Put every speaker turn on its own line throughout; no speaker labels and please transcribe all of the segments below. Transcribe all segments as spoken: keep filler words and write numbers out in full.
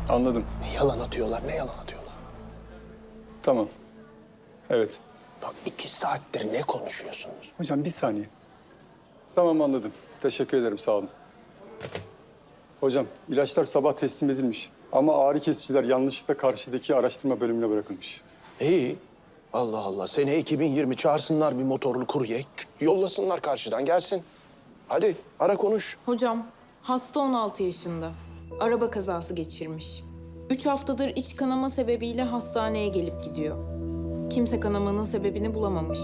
Anladım.
Yalan atıyorlar, ne yalan atıyorlar?
Tamam. Evet.
Bak iki saattir ne konuşuyorsunuz?
Hocam bir saniye. Tamam anladım. Teşekkür ederim sağ olun. Hocam ilaçlar sabah teslim edilmiş. Ama ağrı kesiciler yanlışlıkla karşıdaki araştırma bölümüne bırakılmış.
İyi. Allah Allah. Sene iki bin yirmi çağırsınlar bir motorlu kurye. Yollasınlar karşıdan gelsin. Hadi ara konuş.
Hocam, hasta on altı yaşında. Araba kazası geçirmiş. Üç haftadır iç kanama sebebiyle hastaneye gelip gidiyor. Kimse kanamanın sebebini bulamamış.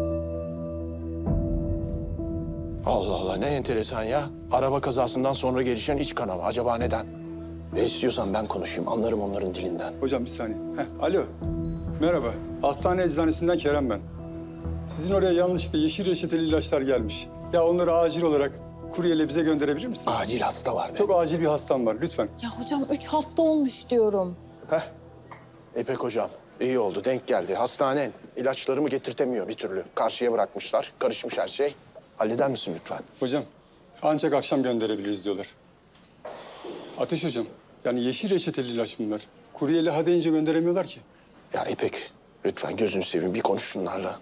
Allah Allah ne enteresan ya. Araba kazasından sonra gelişen iç kanama. Acaba neden? Ne istiyorsan ben konuşayım. Anlarım onların dilinden.
Hocam bir saniye. Heh, alo. Merhaba. Hastane eczanesinden Kerem ben. Sizin oraya yanlışlıkla yeşil reçeteli ilaçlar gelmiş. Ya onları acil olarak kuryeyle bize gönderebilir misiniz?
Acil hasta var de.
Çok acil bir hastam var lütfen.
Ya hocam üç hafta olmuş diyorum.
Heh. İpek hocam iyi oldu denk geldi. Hastanen ilaçlarımı getirtemiyor bir türlü. Karşıya bırakmışlar. Karışmış her şey. Halleder misin lütfen?
Hocam ancak akşam gönderebiliriz diyorlar. Ateş hocam yani yeşil reçeteli ilaç bunlar. Kuryeyle ha deyince gönderemiyorlar ki.
Ya İpek lütfen gözünü seveyim bir konuş şunlarla.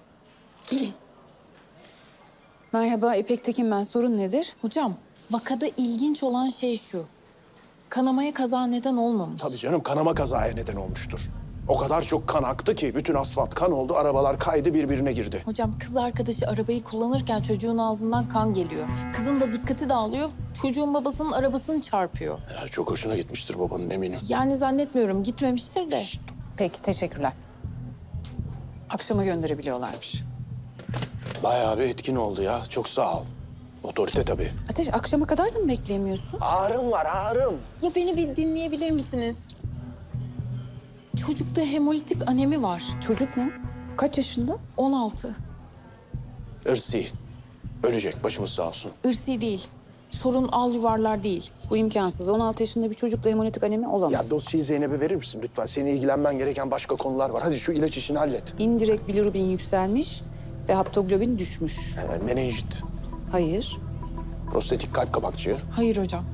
Merhaba, İpek Tekin ben. Sorun nedir?
Hocam, vakada ilginç olan şey şu. Kanamaya kaza neden olmamış.
Tabii canım kanama kazaya neden olmuştur. O kadar çok kan aktı ki bütün asfalt kan oldu. Arabalar kaydı birbirine girdi.
Hocam kız arkadaşı arabayı kullanırken çocuğun ağzından kan geliyor. Kızın da dikkati dağılıyor. Çocuğun babasının arabasını çarpıyor.
Ya, çok hoşuna gitmiştir babanın eminim.
Yani zannetmiyorum gitmemiştir de.
Peki, teşekkürler. Akşama gönderebiliyorlarmış.
Bayağı bir etkin oldu ya. Çok sağ ol. Otorite tabii.
Ateş, akşama kadar da mı bekleyemiyorsun?
Ağrım var ağrım.
Ya beni bir dinleyebilir misiniz? Çocukta hemolitik anemi var.
Çocuk mu? Kaç yaşında?
on altı.
Irsi. Ölecek başımız sağ olsun.
Irsi değil. Sorun al yuvarlar değil.
Bu imkansız. on altı yaşında bir çocukla hemolitik anemi
Ya
olamaz.
dosyayı Zeynep'e verir misin lütfen? Senin ilgilenmen gereken başka konular var. Hadi şu ilaç işini hallet.
İndirekt bilirubin yükselmiş ve haptoglobin düşmüş.
Yani menenjit,
Hayır.
prostatik kalp kabakçığı.
Hayır hocam.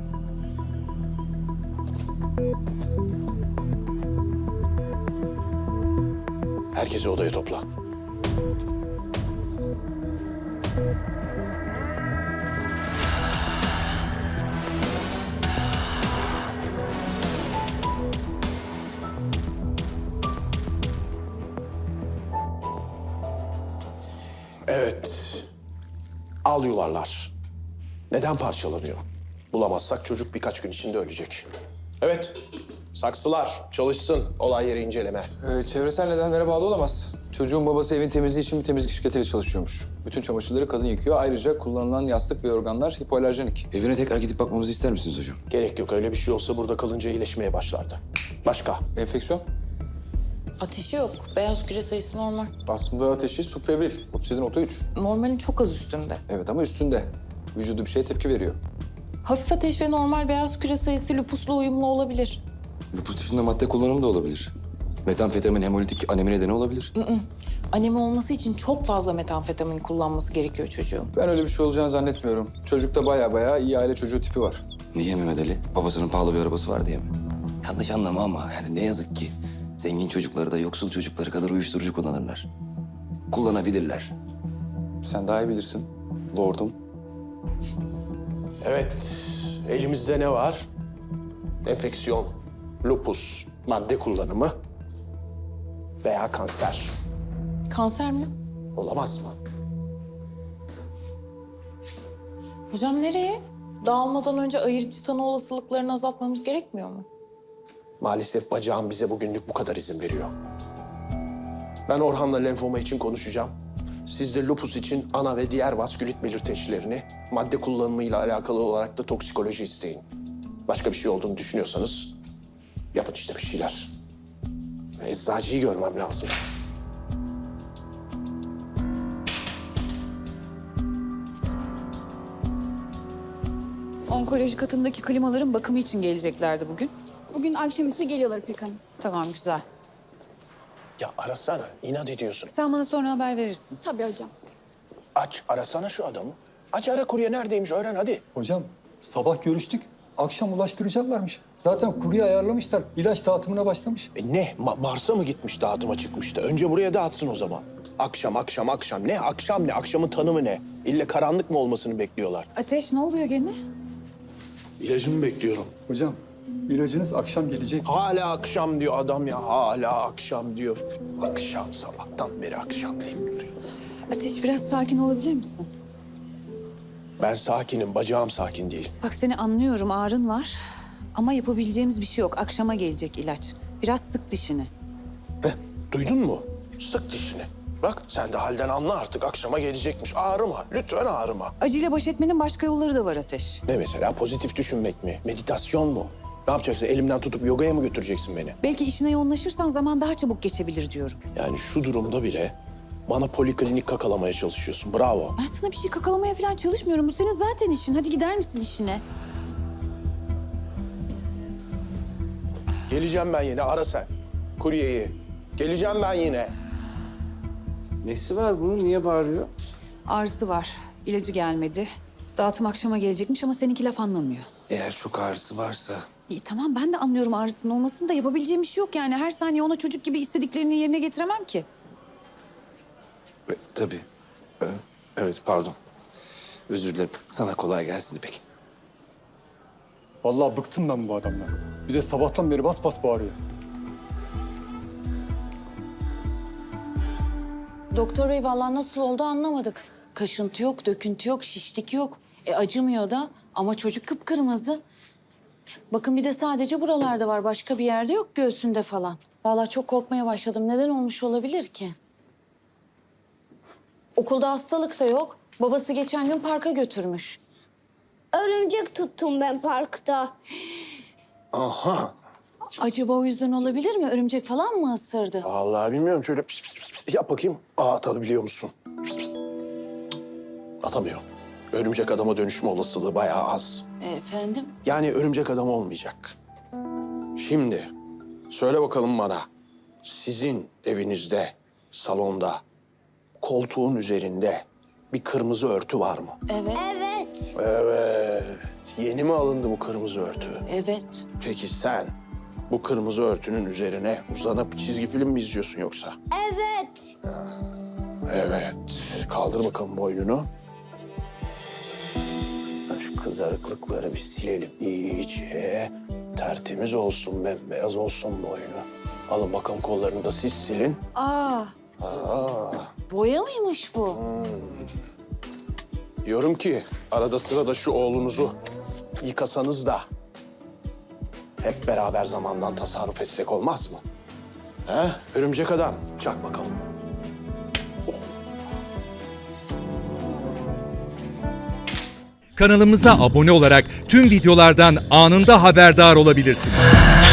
Herkesi odaya topla. Evet. Al yuvarlar. Neden parçalanıyor? Bulamazsak çocuk birkaç gün içinde ölecek. Evet. Saksılar çalışsın. Olay yeri inceleme.
Ee, çevresel nedenlere bağlı olamaz. Çocuğun babası evin temizliği için bir temizlik şirketiyle çalışıyormuş. Bütün çamaşırları kadın yıkıyor. Ayrıca kullanılan yastık ve yorganlar hipoalerjenik.
Evine tekrar gidip bakmamızı ister misiniz hocam?
Gerek yok. Öyle bir şey olsa burada kalınca iyileşmeye başlardı. Başka?
Enfeksiyon.
Ateşi yok. Beyaz küre sayısı normal.
Aslında ateşi subfebril. otuz yedi nokta üç.
Normalin çok az üstünde.
Evet ama üstünde. Vücudu bir şeye tepki veriyor.
Hafif ateş ve normal beyaz küre sayısı lupusla uyumlu olabilir.
Lupus dışında madde kullanımı da olabilir. Metamfetamin hemolitik anemi nedeni olabilir.
Anemi olması için çok fazla metamfetamin kullanması gerekiyor çocuğun.
Ben öyle bir şey olacağını zannetmiyorum. Çocukta baya baya iyi aile çocuğu tipi var.
Niye Mehmet Ali? Babasının pahalı bir arabası var diye mi? Yanlış anlama ama yani ne yazık ki zengin çocukları da yoksul çocukları kadar uyuşturucu kullanırlar. Kullanabilirler.
Sen daha iyi bilirsin. Lordum.
Evet. Elimizde ne var? Enfeksiyon, lupus, madde kullanımı veya kanser.
Kanser mi?
Olamaz mı?
Hocam nereye? Dağılmadan önce ayırıcı tanı olasılıklarını azaltmamız gerekmiyor mu?
Maalesef bacağım bize bugünlük bu kadar izin veriyor. Ben Orhan'la lenfoma için konuşacağım. Siz de lupus için ana ve diğer vaskülit belirteçlerini, madde kullanımıyla alakalı olarak da toksikoloji isteyin. Başka bir şey olduğunu düşünüyorsanız yapın işte bir şeyler. Eczacıyı görmem lazım.
Onkoloji katındaki klimaların bakımı için geleceklerdi bugün.
Bugün akşamüstü geliyorlar İpek Hanım.
Tamam, güzel.
Ya arasana, inat ediyorsun.
Sen bana sonra haber verirsin.
Tabii hocam.
Aç, arasana şu adamı. Aç ara kurye neredeymiş öğren hadi.
Hocam sabah görüştük Akşam ulaştıracaklarmış. Zaten kurye ayarlamışlar. İlaç dağıtımına başlamış.
E ne? Ma- Mars'a mı gitmiş dağıtıma çıkmıştı? Önce buraya dağıtsın o zaman. Akşam, akşam, akşam. Ne akşam ne? Akşamın tanımı ne? İlle karanlık mı olmasını bekliyorlar?
Ateş ne oluyor gene?
İlacımı bekliyorum.
Hocam ilacınız akşam gelecek.
Hala akşam diyor adam ya. Hala akşam diyor. Akşam, sabahtan beri akşam deyip duruyor.
Ateş biraz sakin olabilir misin?
Ben sakinim, bacağım sakin değil.
Bak seni anlıyorum, ağrın var. Ama yapabileceğimiz bir şey yok. Akşama gelecek ilaç. Biraz sık dişini.
Heh, duydun mu? Sık dişini. Bak sen de halden anla artık. Akşama gelecekmiş. Ağrıma, lütfen ağrıma.
Acıyla baş etmenin başka yolları da var Ateş.
Ne mesela? Pozitif düşünmek mi? Meditasyon mu? Ne yapacaksın? Elimden tutup yogaya mı götüreceksin beni?
Belki işine yoğunlaşırsan zaman daha çabuk geçebilir diyorum.
Yani şu durumda bile bana poliklinik kakalamaya çalışıyorsun. Bravo.
Ben sana bir şey kakalamaya falan çalışmıyorum. Bu senin zaten işin. Hadi gider misin işine?
Geleceğim ben yine. Ara sen. Kuryeyi. Geleceğim ben yine.
Nesi var bunun? Niye bağırıyor?
Ağrısı var. İlacı gelmedi. Dağıtım akşama gelecekmiş ama seninki laf anlamıyor.
Eğer çok ağrısı varsa...
İyi tamam ben de anlıyorum ağrısının olmasını da yapabileceğim bir şey yok yani. Her saniye ona çocuk gibi istediklerini yerine getiremem ki.
E, tabii. E, evet, pardon. Özür dilerim. Sana kolay gelsin peki.
Vallahi bıktım ben bu adamdan. Bir de sabahtan beri bas bas bağırıyor.
Doktor bey vallahi nasıl oldu anlamadık. Kaşıntı yok, döküntü yok, şişlik yok. E acımıyor da ama çocuk kıpkırmızı. Bakın bir de sadece buralarda var. Başka bir yerde yok göğsünde falan. Vallahi çok korkmaya başladım. Neden olmuş olabilir ki? Okulda hastalık da yok. Babası geçen gün parka götürmüş.
Örümcek tuttum ben parkta.
Aha.
Acaba o yüzden olabilir mi? Örümcek falan mı ısırdı?
Vallahi bilmiyorum. Şöyle pis pis pis pis yap bakayım. Aa, atabiliyor musun? Atamıyor. Örümcek adama dönüşme olasılığı bayağı az.
E, efendim?
Yani örümcek adam olmayacak. Şimdi söyle bakalım bana. Sizin evinizde, salonda, koltuğun üzerinde bir kırmızı örtü var mı?
Evet.
Evet.
Evet. Yeni mi alındı bu kırmızı örtü?
Evet.
Peki sen bu kırmızı örtünün üzerine uzanıp çizgi film mi izliyorsun yoksa?
Evet.
Evet. Kaldır bakalım boynunu. Şu kızarıklıkları bir silelim iyice. Tertemiz olsun, bembeyaz olsun boynu. Alın bakalım kollarını da siz silin.
Aa,
Aa,
boya mıymış bu?
diyorum ki arada sırada şu oğlunuzu yıkasanız da hep beraber zamandan tasarruf etsek olmaz mı? He? Örümcek adam, çak bakalım.
Kanalımıza abone olarak tüm videolardan anında haberdar olabilirsiniz.